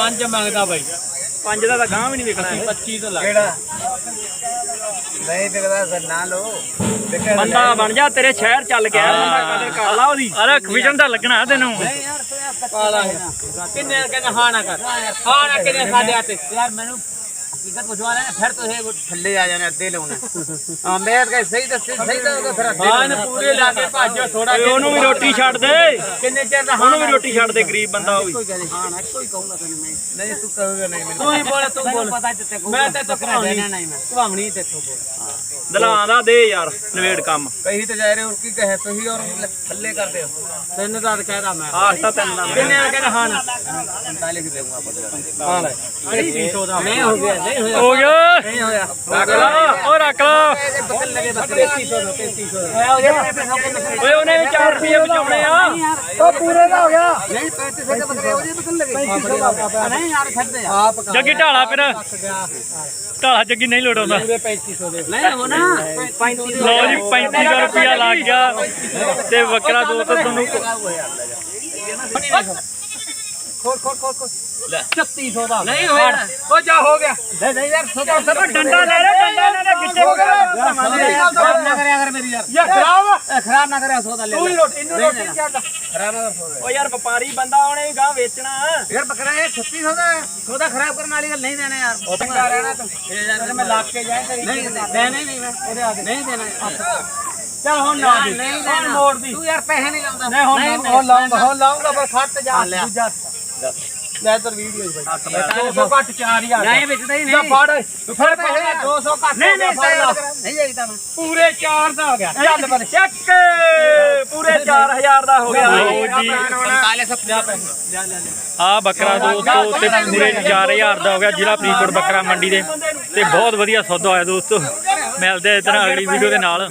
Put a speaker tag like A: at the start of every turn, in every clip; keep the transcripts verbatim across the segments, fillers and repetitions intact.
A: पांच मंगदा भाई
B: ਪੰਜ ਦਾ ਤਾਂ ਗਾਂ ਵੀ ਨਹੀਂ ਵਿਕਣਾ ਹੈ।
A: पच्ची तो लग
C: नहीं बिकदा सर ना लो
B: ਬੰਦਾ ਬਣ ਜਾ ਤੇਰੇ ਸ਼ਹਿਰ ਚੱਲ ਗਿਆ ਬੰਦਾ ਕਦਰ ਕਰ ਲਾ ਉਹਦੀ ਅਰੇ ਵਿਜਨ ਤਾਂ ਲੱਗਣਾ ਤੈਨੂੰ
A: पाला किन्ने कहने हाँ ना कर हाँ ना किन्ने साढ़े आते यार मैंने हकीकत बुझवा लेना फिर तो है वो
C: थल्ले आ जाने अद्धे लाने हां मैं कह सही दस सही तो फिर अद्धे
A: हाँ ना पूरे लाके भाजो थोड़ा
B: ਓਏ ਉਹਨੂੰ ਵੀ ਰੋਟੀ ਛੱਡ ਦੇ
A: किन्ने चेर दा
B: ਉਹਨੂੰ ਵੀ ਰੋਟੀ ਛੱਡ ਦੇ ਗਰੀਬ ਬੰਦਾ ਉਹ ਵੀ
C: हां ना कोई कहूंगा तने मैं नहीं तू कहोगे नहीं
A: तू ही बोल तू बोल
C: पता है तेरे
A: मैं ते तो
C: देना
A: कहानी
C: नहीं मैं
A: कहानी ते तो बोल
B: ਦਲਾਂ ਦਾ ਦੇ ਯਾਰ ਨਵੇੜ ਕੰਮ
C: कहीं तो जा रहे हो की कहे तो ही और थल्ले कर दे
A: तेन दा कहदा मैं
B: ਆਹ ਤਾਂ ਤੈਨੂੰ ਦਾ
A: किन्ने कहने हाँ ना
C: पैंतालीस देऊंगा पता
A: हाँ ले पच्चीस सौ दा नहीं हो गया नहीं होया
B: ਹੋ ਗਿਆ
A: नहीं होया
B: ਰੱਖ ਲਾ ਉਹ ਰੱਖ ਲਾ
C: बकल लगे बकरे
A: पैंतीस सौ दा पैंतीस सौ दा
B: ਓਏ ਉਹਨੇ ਵੀ ਚਾਰ ਰੁਪਏ ਬਚਾਉਣੇ ਆ
A: तो पूरे का हो गया
C: नहीं पैंतीस के बकरे हो जे बकल लगे
A: नहीं यार छड़ दे आप
B: ਜੱਗੀ ਢਾਲਾ ਫਿਰ ਢਾਲਾ ਜੱਗੀ ਨਹੀਂ ਲੋੜਾਉਂਦਾ
A: पूरे पैंतीस सौ दे
C: नहीं हो ना पैंतीस
B: ਲਓ ਜੀ ਪੈਂਤੀ ਸੌ ਰੁਪਇਆ ਲੱਗ ਗਿਆ ਤੇ ਬੱਕਰਾ ਦੋ ਤਾਂ ਤੁਹਾਨੂੰ
A: खोल खोल खोल खोल छत्तीस सौ दा
C: नहीं होया
A: ओ जा हो गया नहीं नहीं यार छोटा सा
B: ਡੰਡਾ ਲੈ ਰੇ ਡੰਡਾ ਲੈ ਰੇ ਗਿੱਟੇ
C: खराब ना करे अगर मेरी यार
A: ये खराब
C: ए, खराब ना करे सौदा ले
A: तू ही रोटी इन्नू रोटी क्या
C: खराब ना कर
B: ਓ ਯਾਰ ਵਪਾਰੀ ਬੰਦਾ ਉਹਨੇ ਵੀ ਗਾਂ ਵੇਚਣਾ
C: यार बकरा है छत्तीस सौ सौदा खराब करने वाली गल नहीं देना यार
A: ओपन कर रहना तुम अगर मैं लाख के जाए
C: नहीं देने नहीं मैं
A: ओदे आगे
C: नहीं देना
A: चल हुन ना दे
C: नहीं
A: हुन
C: देना
A: मोड़ दी
C: तू यार पैसे नहीं लाऊंगा
A: नहीं हुन हुन लाऊंगा हुन लाऊंगा पर खट जा
C: हाँ, ले आ।
A: दूजा ले तर वीडियो भाई दो सौ कट चार हजार
C: नहीं बेचता ही
A: जा
C: नहीं
A: फड़ फिर पैसे दो सौ कट
C: नहीं नहीं
A: फड़ ला।
C: नहीं जाईता मैं
A: पूरे चार दा हो गया चल पर
B: ਚੱਕ ਪੂਰੇ ਚਾਰ ਹਜ਼ਾਰ ਦਾ ਹੋ ਗਿਆ ਲਓ ਜੀ
C: पैंतालीस सौ
A: जा पैसे जा ले ले
B: ਆ ਬੱਕਰਾ ਦੋਸਤੋ ਤੇ ਪੂਰੇ ਚਾਰ ਹਜ਼ਾਰ ਦਾ ਹੋ ਗਿਆ ਜ਼ਿਲ੍ਹਾ ਫਰੀਦਕੋਟ ਬੱਕਰਾ ਮੰਡੀ ਦੇ ਤੇ ਬਹੁਤ ਵਧੀਆ ਸੌਦਾ ਹੋਇਆ ਦੋਸਤੋ ਮਿਲਦੇ ਆ ਇਤਨਾ ਅਗਲੀ ਵੀਡੀਓ ਦੇ ਨਾਲ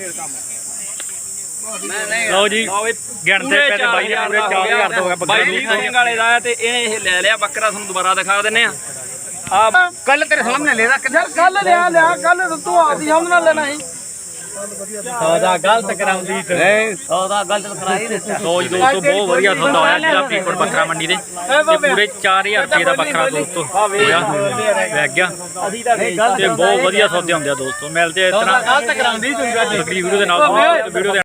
B: ਲਓ ਜੀ ਗਿਣਦੇ ਪਏ ਤੇ ਬਾਈ ਦੇ ਪੂਰੇ ਚਾਰ ਹਜ਼ਾਰ ਦਾ ਹੋ ਗਿਆ ਬੱਕਰਾ ਦੋਸਤੋ ਵਾਲੇ ਦਾ ਤੇ ਇਹਨੇ ਇਹ ਲੈ ਲਿਆ ਬੱਕਰਾ ਤੁਹਾਨੂੰ ਦੁਬਾਰਾ ਦਿਖਾ ਦਿੰਨੇ ਆ ਆ
C: कल तेरे सामने ले रहा
A: यार कल ले आ ले कल तू आती हम ना लेना ही सौदा गलत कराउंदी ते
C: सौदा गलत करा ही देता
B: ਲਓ ਜੀ ਦੋਸਤੋ ਬਹੁਤ ਵਧੀਆ ਸੌਦਾ ਹੋਇਆ ਜ਼ਿਲ੍ਹਾ ਫਰੀਦਕੋਟ ਬੱਕਰਾ ਮੰਡੀ ਦੇ ਤੇ ਪੂਰੇ ਚਾਰ ਹਜ਼ਾਰ ਰੁਪਏ ਦਾ ਬੱਕਰਾ ਦੋਸਤੋ ਹੋਇਆ ਲੱਗ ਗਿਆ ਤੇ ਬਹੁਤ ਵਧੀਆ ਸੌਦੇ ਹੁੰਦੇ ਆ ਦੋਸਤੋ ਮਿਲਦੇ ਆ ਇਤਨਾ
A: गलत कराउंदी तू
B: ਅਗਲੀ ਵੀਡੀਓ ਦੇ ਨਾਲ ਵੀਡੀਓ ਦੇ